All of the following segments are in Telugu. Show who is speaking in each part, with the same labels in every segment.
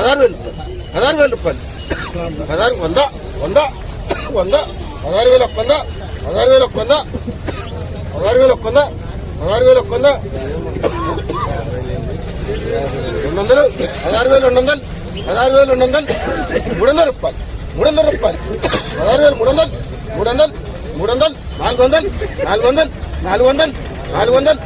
Speaker 1: 16,000 రూపాయలు 100 100 100 16,000 100 16,000 100 16,000 100 16,000 100 200 16,200 16,200 300 రూపాయలు 300 రూపాయలు 16,300 300 300 400 400 400 400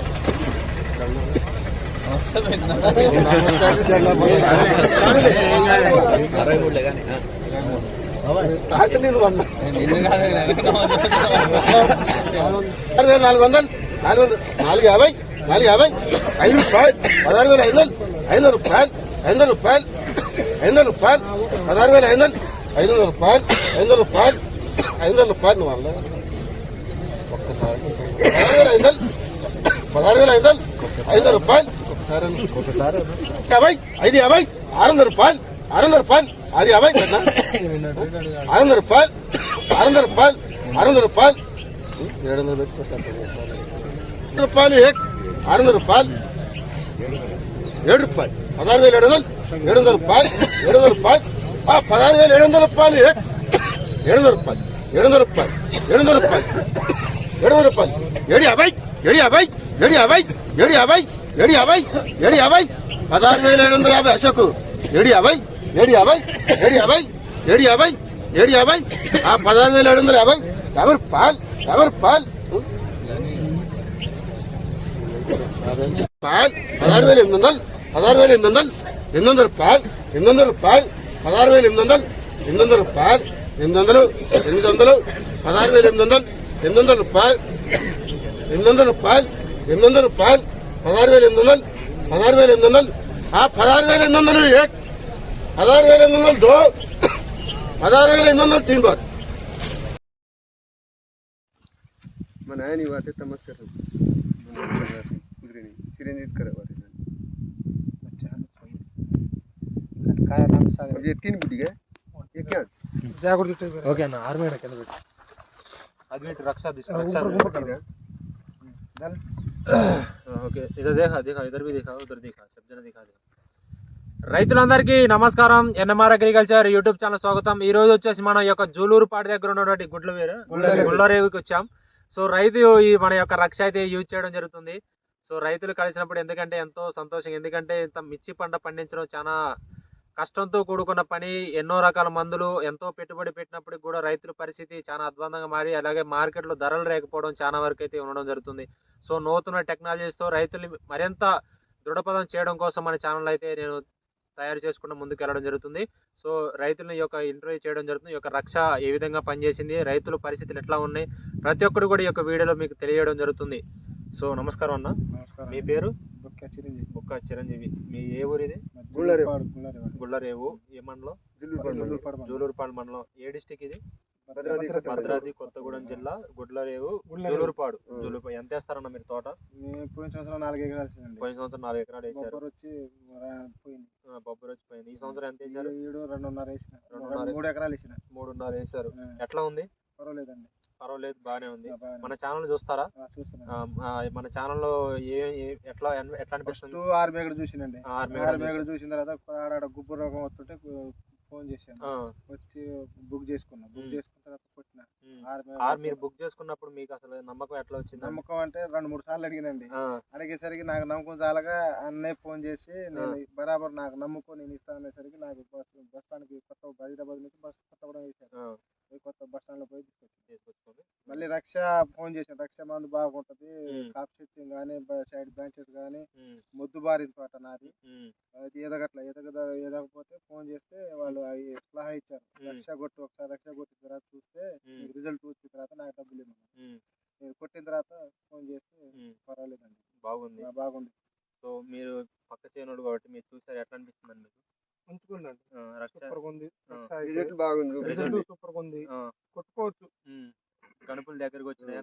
Speaker 1: 400 450 450 5 రూపాయలు 16,500 రూపాయలు 500 రూపాయలు 500 రూపాయలు 16,500 500 రూపాయలు 500 రూపాయలు 500 రూపాయలు నువ్వు అన్న ఒక్కసారి 16,500 500 రూపాయలు ఒకసారి 50 550 600 రూపాయలు 600 రూపాయలు 650 600 రూపాయలు 600 రూపాయలు 600 రూపాయలు 700 రూపాయలు 600 రూపాయలు 7 రూపాయలు 16,700 700 రూపాయలు 700 రూపాయలు 16,700 రూపాయలు 700 రూపాయలు 700 రూపాయలు 700 రూపాయలు 700 రూపాయలు 750 750 750 750 750 750 16,750 అశోక్ 750 750 750 750 750 16,750 50 రూపాయలు 50 రూపాయలు 16,800 16,800 800 రూపాయలు 800 రూపాయలు 16,800 800 రూపాయలు 800 800 16,800 800 రూపాయలు 800 రూపాయలు 800 రూపాయలు 16,800 16,800 16,800 एक 16,800 दो 16,800 3 बार मनाया नहीं बातें तमस कर चिरंजीव करे बातें
Speaker 2: काय नाम सांग
Speaker 1: ये 3 बुटी है ये क्या
Speaker 2: जागृति ओके ना आर्मी में क्या बेटा आदमी रक्षा
Speaker 1: दल
Speaker 2: ఓకే ఇదర్ देखा इधर भी देखा उधर देखा सब जन देखा రైతులందరికీ నమస్కారం ఎన్ఎంఆర్ అగ్రికల్చర్ యూట్యూబ్ ఛానల్ స్వాగతం. ఈ రోజు వచ్చేసి మనం ఈ యొక్క జూలూరుపాటి దగ్గర ఉన్నటువంటి గుడ్లరేవుకి వచ్చాం. సో రైతు ఈ మన యొక్క రక్ష అయితే యూజ్ చేయడం జరుగుతుంది. సో రైతులు కలిసినప్పుడు ఎందుకంటే ఎంతో సంతోషం, ఎందుకంటే ఇంత మిర్చి పంట పండించడం చాలా కష్టంతో కూడుకున్న పని. ఎన్నో రకాల మందులు ఎంతో పెట్టుబడి పెట్టినప్పటికి కూడా రైతుల పరిస్థితి చాలా అధ్వానంగా మారి, అలాగే మార్కెట్లో ధరలు లేకపోవడం చాలా వరకు అయితే ఉండడం జరుగుతుంది. సో నూతన టెక్నాలజీస్తో రైతులు మరింత దృఢపదం చేయడం కోసం మన ఛానల్ అయితే నేను తయారు చేసుకుంటూ ముందుకు వెళ్ళడం జరుగుతుంది. సో రైతుల యొక్క ఇంటర్వ్యూ చేయడం జరుగుతుంది. ఈ యొక్క రక్ష ఏ విధంగా పనిచేసింది, రైతుల పరిస్థితులు ఎట్లా ఉన్నాయి, ప్రతి ఒక్కరు కూడా ఈ యొక్క వీడియోలో మీకు తెలియజేయడం జరుగుతుంది. సో నమస్కారం అన్న, మీ పేరు? బుక్క చిరంజీవి. మీ ఏ ఊరు ఇది? గుళ్ళరేవు. ఏ మండలం? జూలూరుపాడు మండలం. ఏ డిస్టిక్ ఇది? భద్రాద్రి కొత్తగూడెం జిల్లా. గుడ్లరేవు జూలూరుపాడు. ఎంత వేస్తారన్న మీరు తోట?
Speaker 3: పోయిన సంవత్సరం 4 ఎకరాలు.
Speaker 2: పోయిన సంవత్సరం 4 ఎకరాలు వేసారు. బొబ్బరు వచ్చి పోయింది. ఈ సంవత్సరం ఎంత వేసారు?
Speaker 3: 3 ఎకరాలు వేసిన.
Speaker 2: 3.5 వేసారు. ఎట్లా ఉంది?
Speaker 3: పర్వాలేదండి.
Speaker 2: పర్వాలేదు, బాగానే ఉంది. మన ఛానల్ చూస్తారా? మన ఛానల్లో ఎట్లా అనిపిస్తుంది?
Speaker 3: 6 మేకలు చూసినండి. 6 మేకలు చూసిన తర్వాత ఆడ గుబ్బు రోగం వస్తుంటే ఫోన్ చేశాను, వచ్చి బుక్ చేసుకున్నా. బుక్ చేసుకున్న తర్వాత కొట్టిన.
Speaker 2: మీరు బుక్ చేసుకున్నప్పుడు మీకు అసలు నమ్మకం ఎట్లా వచ్చింది?
Speaker 3: నమ్మకం అంటే 2-3 సార్లు అడిగినండి. అడిగేసరికి నాకు నమ్మకం చాలగా అన్నయ్య ఫోన్ చేసి నేను బరాబర్ నాకు నమ్ముకో నేను ఇస్తాను అనేసరికి నాకు బస్ స్టాండ్కి కొత్త హైదరాబాద్ నుంచి కొత్తగూడెం వేసాను. కొత్త బస్ స్టాండ్ లో పోయి తీసుకొచ్చుకోండి. మళ్ళీ రక్ష ఫోన్ చేశాను. రక్ష మందు బాగుంటది, కాప్ సెట్టింగ్ కానీ సైడ్ బ్రాంచెస్ కానీ మొద్దు బారిన తోట నాది, అది ఎదగకపోతే ఫోన్ చేస్తే వాళ్ళు సలహా ఇచ్చారు. రక్ష కొట్టు, ఒకసారి రక్ష కొట్టిన తర్వాత చూస్తే రిజల్ట్ వచ్చిన తర్వాత నాకు డబ్బులు ఇవ్వమని. నేను కొట్టిన తర్వాత ఫోన్ చేస్తే పర్వాలేదండి, బాగుంది.
Speaker 2: సో మీరు పక్క చేయనుడు కాబట్టి మీరు చూసారు, ఎట్లా అనిపిస్తుంది మీకు?
Speaker 3: ఉంచుకుందండి,
Speaker 1: బాగుంది,
Speaker 3: కొట్టుకోవచ్చు.
Speaker 2: గణపుల దగ్గరకు వచ్చినాయి,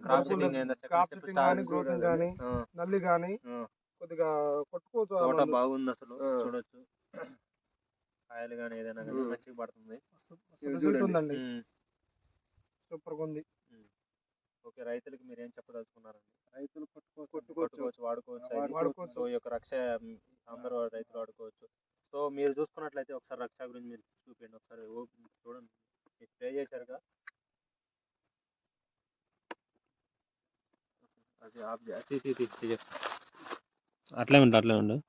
Speaker 3: నల్లి గానీ కొద్దిగా కొట్టుకోవచ్చు.
Speaker 2: తోట బాగుంది అసలు, చూడొచ్చు. కాయలు కానీ ఏదైనా కానీ మంచిగా పడుతుంది.
Speaker 3: సూపర్ గా ఉంది.
Speaker 2: ఓకే, రైతులకి మీరు ఏం చెప్పదలుచుకున్నారండి?
Speaker 3: రైతులు
Speaker 2: కొట్టుకోవచ్చు, వాడుకోవచ్చు. సో ఈ యొక్క రక్ష అందరూ రైతులు వాడుకోవచ్చు. సో మీరు చూసుకున్నట్లయితే ఒకసారి రక్ష గురించి మీరు చూపించండి ఒకసారి చూడండి మీరు స్ప్రే చేశారుగా అది అట్లే ఉండు